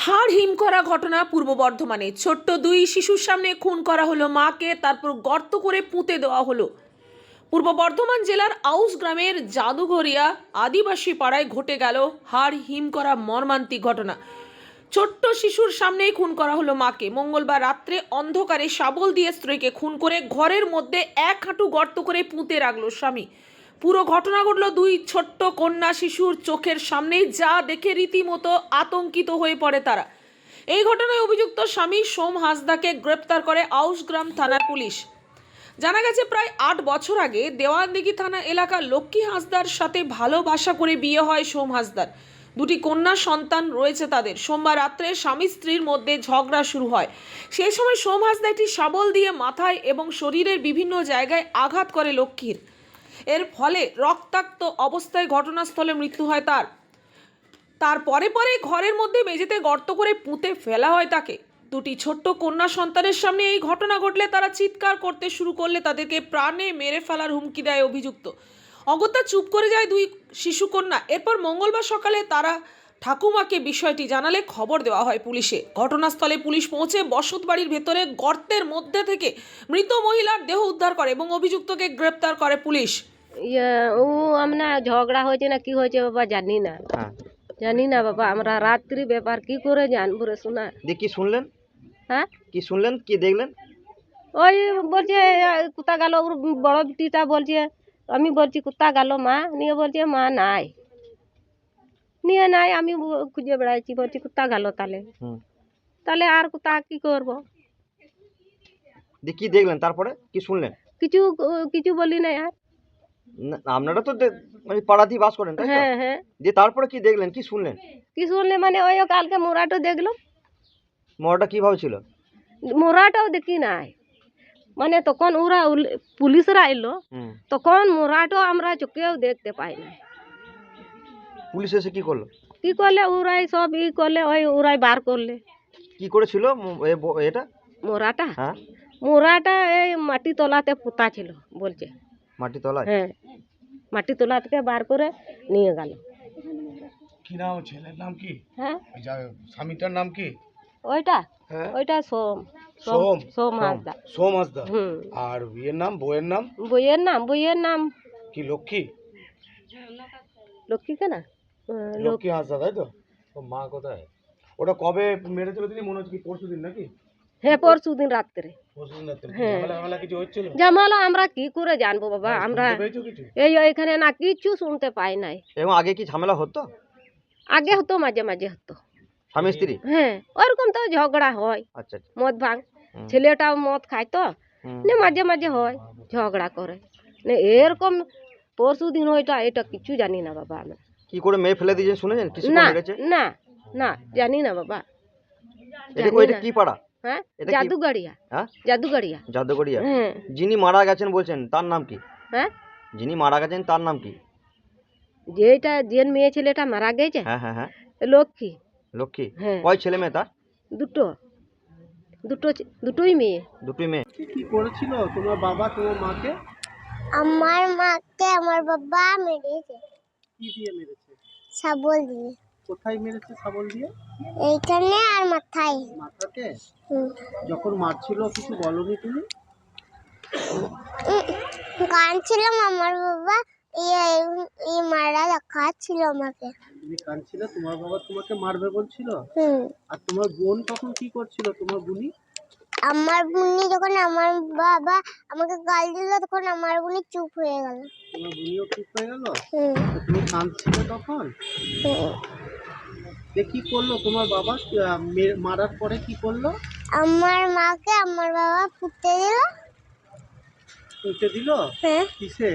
হাড় হিম করা ঘটনা পূর্ব বর্ধমানে। ছোট্ট দুই শিশুর সামনে খুন করা হলো মাকে, তারপর গর্ত করে পুঁতে দেওয়া হলো। পূর্ব বর্ধমান জেলার আউশ গ্রামের জাদুঘরিয়া আদিবাসী পাড়ায় ঘটে গেল হাড় হিম করা মর্মান্তিক ঘটনা। ছোট্ট শিশুর সামনেই খুন করা হলো মাকে। মঙ্গলবার রাত্রে অন্ধকারে শাবল দিয়ে স্ত্রীকে খুন করে ঘরের মধ্যে এক হাঁটু গর্ত করে পুঁতে রাখলো স্বামী। পুরো ঘটনা ঘটল দুই ছোট্ট কন্যা শিশুর চোখের সামনেই, যা দেখে রীতিমতো আতঙ্কিত হয়ে পড়ে তারা। এই ঘটনায় অভিযুক্ত স্বামী সোম হাঁসদাকে গ্রেপ্তার করে আউশগ্রাম থানার পুলিশ। জানা গেছে, প্রায় 8 বছর আগে দেওয়ানদিঘি থানা এলাকার লক্ষ্মী হাঁসদার সাথে ভালোবাসা করে বিয়ে হয় সোম হাঁসদার। দুটি কন্যা সন্তান রয়েছে তাদের। সোমবার রাত্রে স্বামী স্ত্রীর মধ্যে ঝগড়া শুরু হয়। সেই সময় সোম হাঁসদা একটি শাবল দিয়ে মাথায় এবং শরীরের বিভিন্ন জায়গায় আঘাত করে লক্ষ্মীর। এর ফলে রক্তাক্ত অবস্থায় ঘটনাস্থলে মৃত্যু হয় তার। তারপরে ঘরের মধ্যে মেঝেতে গর্ত করে পুঁতে ফেলা হয় তাকে। দুটি ছোট্ট কন্যা সন্তানের সামনে এই ঘটনা ঘটলে তারা চিৎকার করতে শুরু করলে তাদেরকে প্রাণে মেরে ফেলার হুমকি দেয় অভিযুক্ত। অগত্যা চুপ করে যায় দুই শিশু কন্যা। এরপর মঙ্গলবার সকালে তারা ঠাকুমাকে বিষয়টি জানালে খবর দেওয়া হয় পুলিশে। ঘটনাস্থলে পুলিশ পৌঁছে বসত বাড়ির ভেতরে গর্তের মধ্যে থেকে মৃত মহিলার দেহ উদ্ধার করে এবং অভিযুক্তকে গ্রেপ্তার করে পুলিশ। ও আমরা ঝগড়া হয়েছে না কি হয়েছে বাবা জানি না, জানি না বাবা, আমরা রাত্রি ব্যাপার কি করে জানবো রে শোনা। কি শুনলেন? হ্যাঁ, কি শুনলেন, কি দেখলেন? ওই বলছে কোথা গেল, ওর বড় বিটিটা বলছে, আমি বলছি কোথা গেল মা, নিয়ে বলছে মা নাই, নিয়ে নাই। আমি খুঁজে বেড়াইছি, বলছি কোথা গেল তাহলে, তাহলে আর কোথা কি করব। কি দেখলেন, তারপরে কি শুনলেন? কিছু কিছু বলি না আর। আপনারা তো মানে পাড়াতেই বাস করেন, তাই তো? হ্যাঁ হ্যাঁ। যে তারপরে কি দেখলেন, কি শুনলেন? কি শুনলে মানে ওই কালকে মোরাটো দেখলাম। মরাটা কিভাবে ছিল? মোরাটাও দেখি নাই, মানে তখন ওরা পুলিশরা এলো, তখন মোরাটো আমরা চোখেও দেখতে পাই না। পুলিশ এসে কি করলো? কি করলে ওরাই সব ই করলে, ওই ওরাই বার করলে। কি করেছিল এটা মোরাটা? হ্যাঁ, মোরাটা এই মাটি তলাতে পোতা ছিল বলছে। মাটি তলায়? হ্যাঁ, মাটি তলা থেকে বার করে নিয়ে গেল। কি নাম ছেলের নাম কি? হ্যাঁ, স্বামীটার নাম কি? ওইটা হ্যাঁ, ওইটা সোম সোম সোম হাঁসদা। সোম হাঁসদা। হুম। আর বিয়ের নাম, বউয়ের নাম বইয়ের নাম কি? লক্ষ্মী? লক্ষ্মী কেনা? লক্ষ্মী হাঁসদা, তাই তো? ও মা কোথায়? ওটা কবে মেরেছিল তিনি, মনে হচ্ছে কি পরশুদিন নাকি? হ্যাঁ, পরশুদিন রাত্রে। পরশুদিন রাত্রে। হ্যাঁ। ঝামেলা কিছু হচ্ছিল? জামালো আমরা কি করে জানবো বাবা, হ্যাঁ, আমরা শুনতে পেয়েছো কিছু? এখানে না কিছু শুনতে পাই নাই। এবং আগে কি ঝামেলা হতো? আগে হতো, মাঝে মাঝে হতো। স্বামী স্ত্রী? হ্যাঁ, ওরকম তো ঝগড়া হয়। আচ্ছা। মদ ভাঙ, ছেলেটাও মদ খায় তো, মাঝে মাঝে হয়, ঝগড়া করে। এরকম পরশু দিন এটা কিছু জানি না বাবা আমরা। কি করে মেয়ে ফেলে দিয়েছেন শুনেছেন? কিছু না মেরেছে? না না, জানি না বাবা। এটা কি পাড়া? হ্যাঁ, এটা কি? জাদুঘরিয়া। হ্যাঁ, জাদুঘরিয়া। জাদুঘরিয়া। হ্যাঁ যিনি মারা গেছেন বলছেন, তার নাম কি? হ্যাঁ, যিনি মারা গেছেন তার নাম কি? যে মেয়ে ছেলেটা মারা গেছে, হ্যাঁ হ্যাঁ হ্যাঁ, লক্ষ্মী। লক্ষ্মী। হ্যাঁ। কয় ছেলে মেয়ে তার? দুটোই মেয়ে। দুটোই মেয়ে। কি করেছিল তোমার বাবা তোমার মাকে? আমার মাকে আমার বাবা মেরেছে। কি দিয়ে মেরেছে? শাবল দিয়ে। কোথায় মেরেছে শাবল দিয়ে? এইখানে আর মাথায়। মাথাতে? হুম। যখন মারছিল কিছু বলনি তুমি? কাঁদছিলাম, আমার বাবা মারা দেখাচ্ছিল আমাকে। তুমি কাঁদছিলে, তোমার বাবা তোমাকে মারবে বলছিল? হুম। আর তোমার বোন তখন কি করছিল, তোমার বুনি? আমার বুনি যখন আমার বাবা আমাকে গাল দিল, তখন আমার বুনি চুপ হয়ে গেল। তোমার বুনিও চুপ হয়ে গেল? হুম। তুমি কাঁদছিলে তখন? কি করলো তোমার বাবা মারার পরে? কি করলো? আমার মাকে আমার বাবা পুঁতে দিল। পুঁতে দিল? হ্যাঁ। কিসে?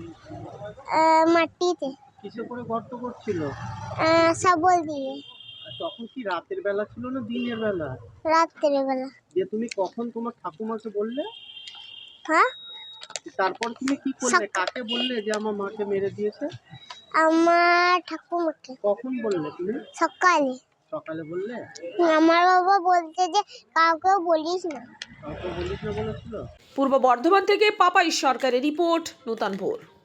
মাটিতে। কিসে করে গর্ত করছিল? শাবল দিয়ে। আর তখন কি রাতের বেলা ছিল না দিনের বেলা? রাত্রের বেলা। যে তুমি কখন তোমার ঠাকুমাকে বললে? হ্যাঁ। তারপর তুমি কি করলে, কাকে বললে যে আমার মাকে মেরে দিয়েছে? আমার ঠাকুমাকে। কখন বললে তুমি? সকালে। সকালে বললে? আমার বাবা বলছে যে কাউকে বলিস না। কাউকে বলিস না বলেছিল? পূর্ব বর্ধমান থেকে পাপাই সরকারের রিপোর্ট, নূতন ভোর।